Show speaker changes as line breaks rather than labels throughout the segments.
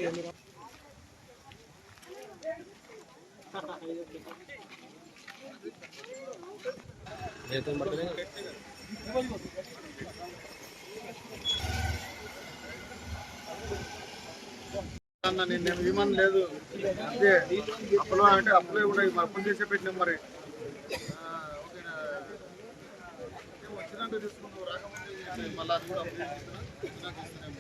నేను విమానం లేదు అదే అప్పులో అంటే అప్పులో కూడా అప్పులు చేసే పెట్టినాం మరి వచ్చినాక తీసుకున్నావు రాకముందే మళ్ళీ అది కూడా అప్లై వచ్చినాక ఇస్తున్నాము.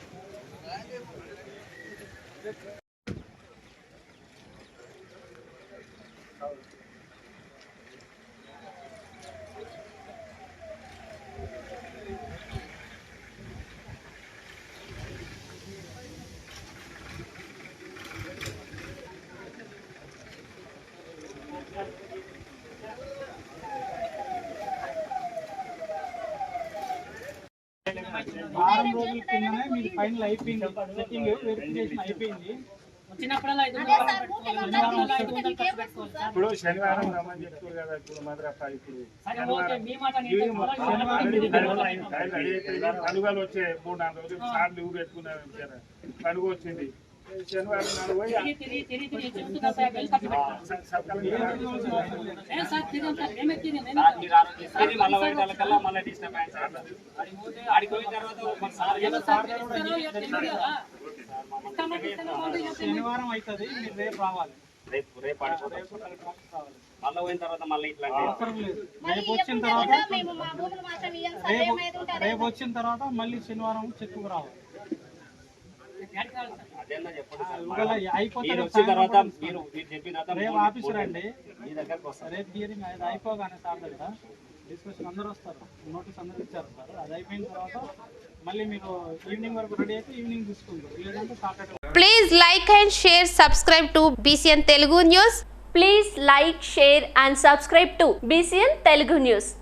వారం రోజుల కిందనే మీరు ఫైనల్ అయిపోయింది, సెట్టింగ్ వెరిఫికేషన్ అయిపోయింది.
ఇప్పుడు శనివారం రమ్మని చెప్తారు కదా, ఇప్పుడు మద్రాసు పండుగలు వచ్చే 3-4 రోజులు సార్లు ఊరు పెట్టుకున్నారు. పండుగ వచ్చింది శనివారం నాడు పోయి
శనివారం అవుతుంది, మీరు రేపు రావాలి.
రేపు మళ్ళీ పోయిన తర్వాత మళ్ళీ ఇట్లా
అవసరం లేదు. రేపు వచ్చిన తర్వాత మళ్ళీ శనివారం చెక్కు రావాలి. రేపు ఆఫీసర్ అండి, రేపు హియరింగ్ అయిపోగానే సార్ దగ్గర డిస్కషన్ అందరూ వస్తారు, నోటీస్ అందరూ ఇచ్చారు సార్. అది అయిపోయిన తర్వాత మళ్ళీ మీరు ఈవినింగ్ వరకు రెడీ అయితే ఈవినింగ్ తీసుకుంటారు, లేదంటే Saturday.
Please like and share, subscribe to BCN Telugu News.
Please like, share and subscribe to BCN Telugu News.